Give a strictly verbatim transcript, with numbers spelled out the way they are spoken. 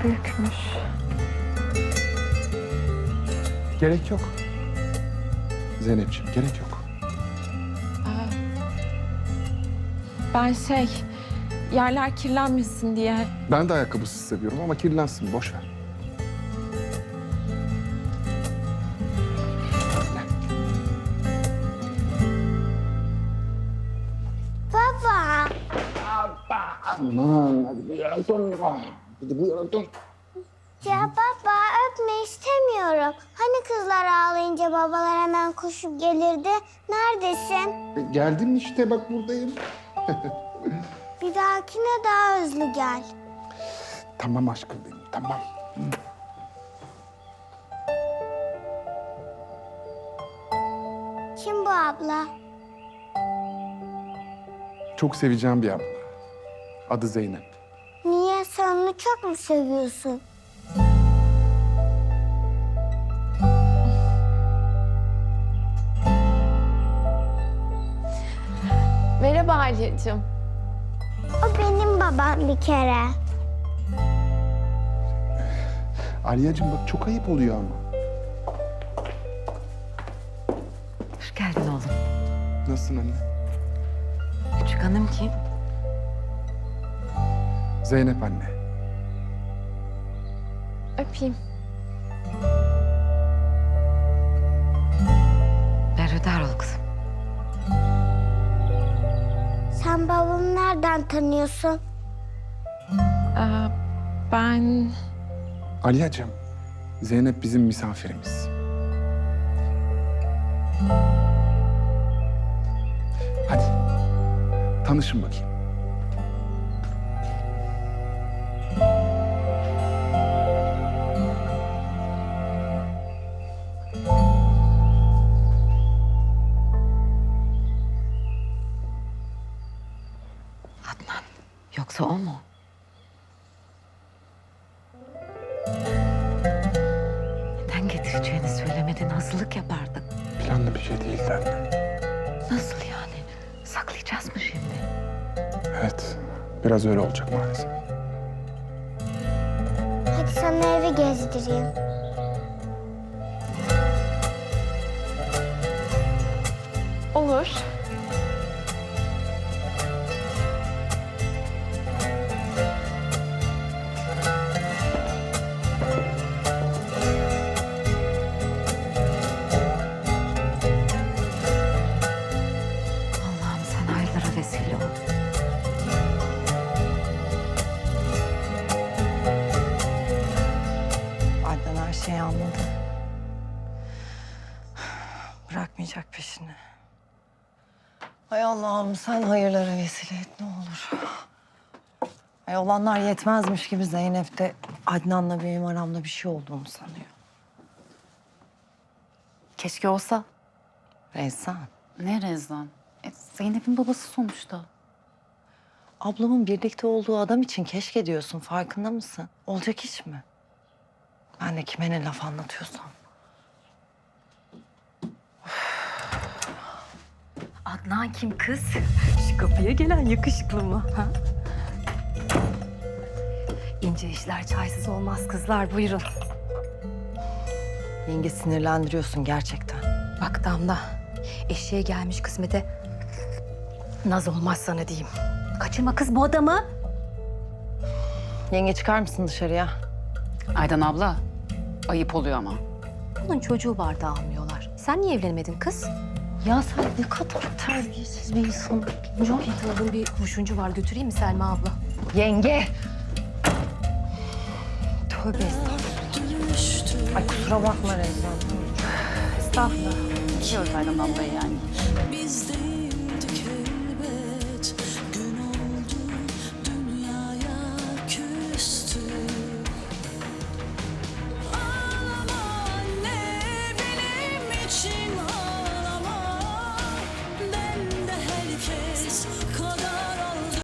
büyükmüş. Gerek yok. Zeynepciğim, gerek yok. Ben şey, yerler kirlenmesin diye. Ben de ayakkabısız seviyorum ama kirlensin, boş ver. Baba. Aman hadi bir yere dön. Hadi bir yere dön. Ya baba öpme istemiyorum. Hani kızlar ağlayınca babalar hemen koşup gelirdi. Neredesin? E, geldim işte, bak buradayım. Bir dahakine daha hızlı gel. Tamam aşkım benim, tamam. Kim bu abla? Çok seveceğim bir abla. Adı Zeynep. Niye sen onu çok mu seviyorsun? Merhaba Alya'cığım. O benim babam bir kere. Aliyacığım bak çok ayıp oluyor ama. Hoş geldin oğlum. Nasılsın anne? Küçük hanım kim? Zeynep anne. Öpeyim. Berhudar ol kızım. Sen babamı nereden tanıyorsun? Ee, ben... Aliyacığım, Zeynep bizim misafirimiz. Hadi, tanışın bakayım. Adnan. Yoksa o mu? Neden getireceğini söylemedin, hazırlık yapardık. Planlı bir şey değildi anne. Nasıl yani? Saklayacağız mı şimdi? Evet, biraz öyle olacak maalesef. Hadi sana evi gezdireyim. Olur. Allah'ım sen hayırlara vesile ol. Adnan her şeyi anladı. Bırakmayacak peşini. Ay Allah'ım sen hayırlara vesile et ne olur. Ay olanlar yetmezmiş gibi Zeynep de Adnan'la benim aramda bir şey olduğunu sanıyor. Keşke olsa. Rezan, Ne Rezan? E, Zeynep'in babası sonuçta. ablamın birlikte olduğu adam için keşke diyorsun farkında mısın? Olacak iş mi? Ben de kime ne laf anlatıyorsam. Adnan kim kız? Şu kapıya gelen yakışıklı mı? Ha? İnce işler çaysız olmaz kızlar, buyurun. Yenge sinirlendiriyorsun gerçekten. Bak Damla, eşeğe gelmiş kısmete naz olmaz sana diyeyim. Kaçırma kız bu adamı. Yenge çıkar mısın dışarıya? Aydan abla, ayıp oluyor ama. Bunun çocuğu var da almıyorlar. Sen niye evlenmedin kız? Ya sen ne kadar terbiyesiz bir insansın. Çok iyi tanıdığım bir kurşuncu var. Götüreyim mi Selma abla? Yenge! Tövbe estağfurullah. Ay kusura bakma Rezan. Estağfurullah. Biliyoruz Aydan ablayı yani. Bizde